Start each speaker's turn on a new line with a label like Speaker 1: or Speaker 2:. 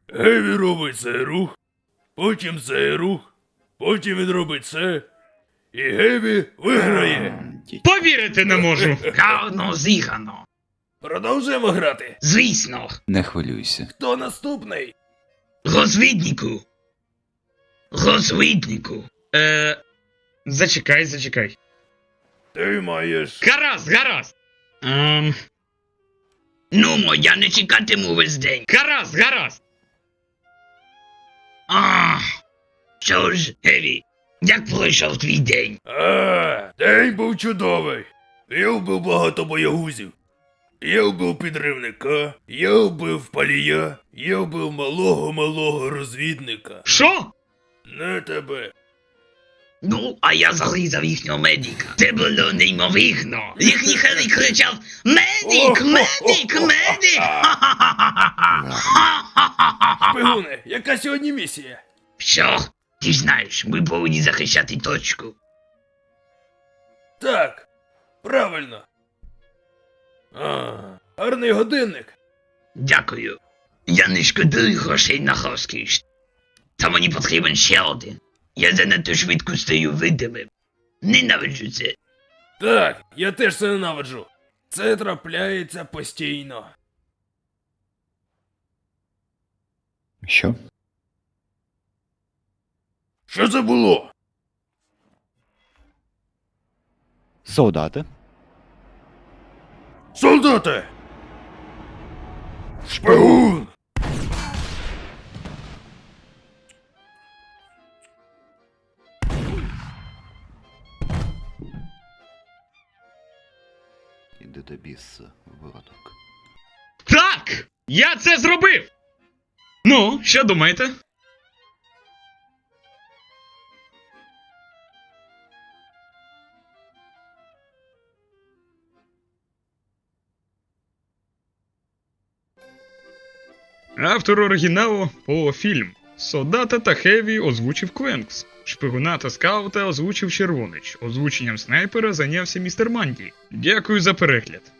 Speaker 1: Геві робить цей рух, потім цей рух, потім він робить це, і Геві виграє.
Speaker 2: Повірити не можу.
Speaker 3: Гарно зіграно.
Speaker 1: Продовжуємо грати.
Speaker 3: Звісно.
Speaker 4: Не хвилюйся.
Speaker 1: Хто наступний?
Speaker 3: Розвіднику. Розвіднику.
Speaker 2: Зачекай.
Speaker 1: Ти маєш...
Speaker 2: Гаразд.
Speaker 3: Нумо, я не чекатиму весь день.
Speaker 2: Гаразд.
Speaker 3: Що ж, Геві, як пройшов твій день?
Speaker 1: День був чудовий. Я вбив багато боягузів. Я вбив підривника, я вбив палія, я вбив малого розвідника.
Speaker 2: Що?
Speaker 1: Не тебе.
Speaker 3: Ну, а я зарізав їхнього медика. Це було неймовірно. Їхній Хеві кричав: Медик!
Speaker 1: Шпигуни, яка сьогодні місія?
Speaker 3: Що? Ти ж знаєш, ми повинні захищати точку.
Speaker 1: Так, правильно. Гарний годинник.
Speaker 3: Дякую. Я не шкодую грошей на розкіш. Та мені потрібен ще один. Я занадто швидко стаю видимим. Ненавиджу це.
Speaker 1: Так, я теж це ненавиджу. Це трапляється постійно.
Speaker 4: Що?
Speaker 1: Що це було?
Speaker 4: Солдати.
Speaker 1: Солдати! Шпигун!
Speaker 4: Іди до біса, виродок.
Speaker 2: Так! Я це зробив! Ну, що думаєте? Автор оригіналу Поло Фільм. Солдата та Хеві озвучив Квенкс. Шпигуна та скаута озвучив Червонич. Озвученням снайпера зайнявся містер Манді. Дякую за перегляд.